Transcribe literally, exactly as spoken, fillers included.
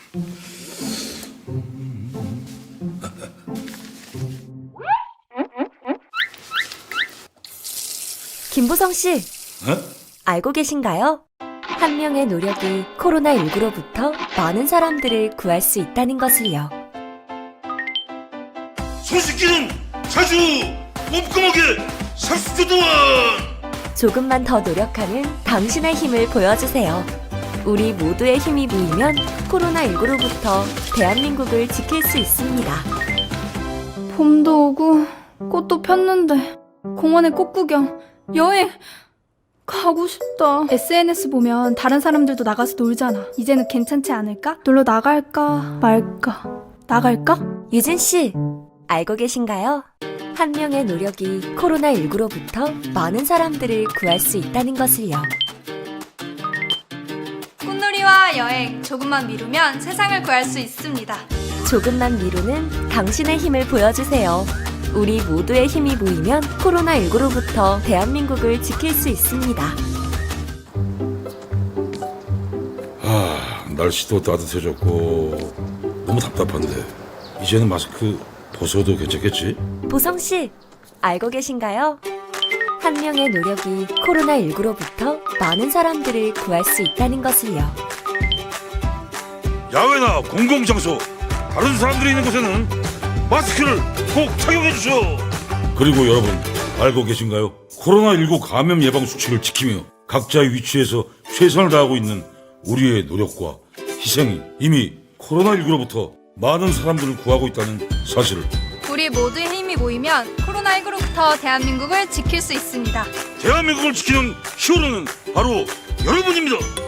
김보성 씨, 어? 알고 계신가요? 한 명의 노력이 코로나십구로부터 많은 사람들을 구할 수 있다는 것을요. 손씻기는 자주 꼼꼼하게 삼십 초 동안. 조금만 더 노력하는 당신의 힘을 보여주세요. 우리 모두의 힘이 모이면 코로나십구로부터 대한민국을 지킬 수 있습니다. 봄도 오고 꽃도 폈는데 공원에 꽃 구경, 여행 가고 싶다. 에스엔에스 보면 다른 사람들도 나가서 놀잖아. 이제는 괜찮지 않을까? 놀러 나갈까 말까? 나갈까? 유진 씨, 알고 계신가요? 한 명의 노력이 코로나십구로부터 많은 사람들을 구할 수 있다는 것을요. 꽃놀이와 여행 조금만 미루면 세상을 구할 수 있습니다. 조금만 미루는 당신의 힘을 보여주세요. 우리 모두의 힘이 모이면 코로나십구로부터 대한민국을 지킬 수 있습니다. 아, 날씨도 따뜻해졌고 너무 답답한데 이제는 마스크 벗어도 괜찮겠지? 보성 씨, 알고 계신가요? 한 명의 노력이 코로나십구로부터 많은 사람들을 구할 수 있다는 것을요. 야외나 공공장소, 다른 사람들이 있는 곳에는 마스크를 꼭 착용해 주세요. 그리고 여러분, 알고 계신가요? 코로나십구 감염 예방 수칙을 지키며 각자의 위치에서 최선을 다하고 있는 우리의 노력과 희생이 이미 코로나십구로부터 많은 사람들을 구하고 있다는 사실을. 우리 모두의 힘이 모이면 코로나십구로부터 대한민국을 지킬 수 있습니다. 대한민국을 지키는 히어로는 바로 여러분입니다.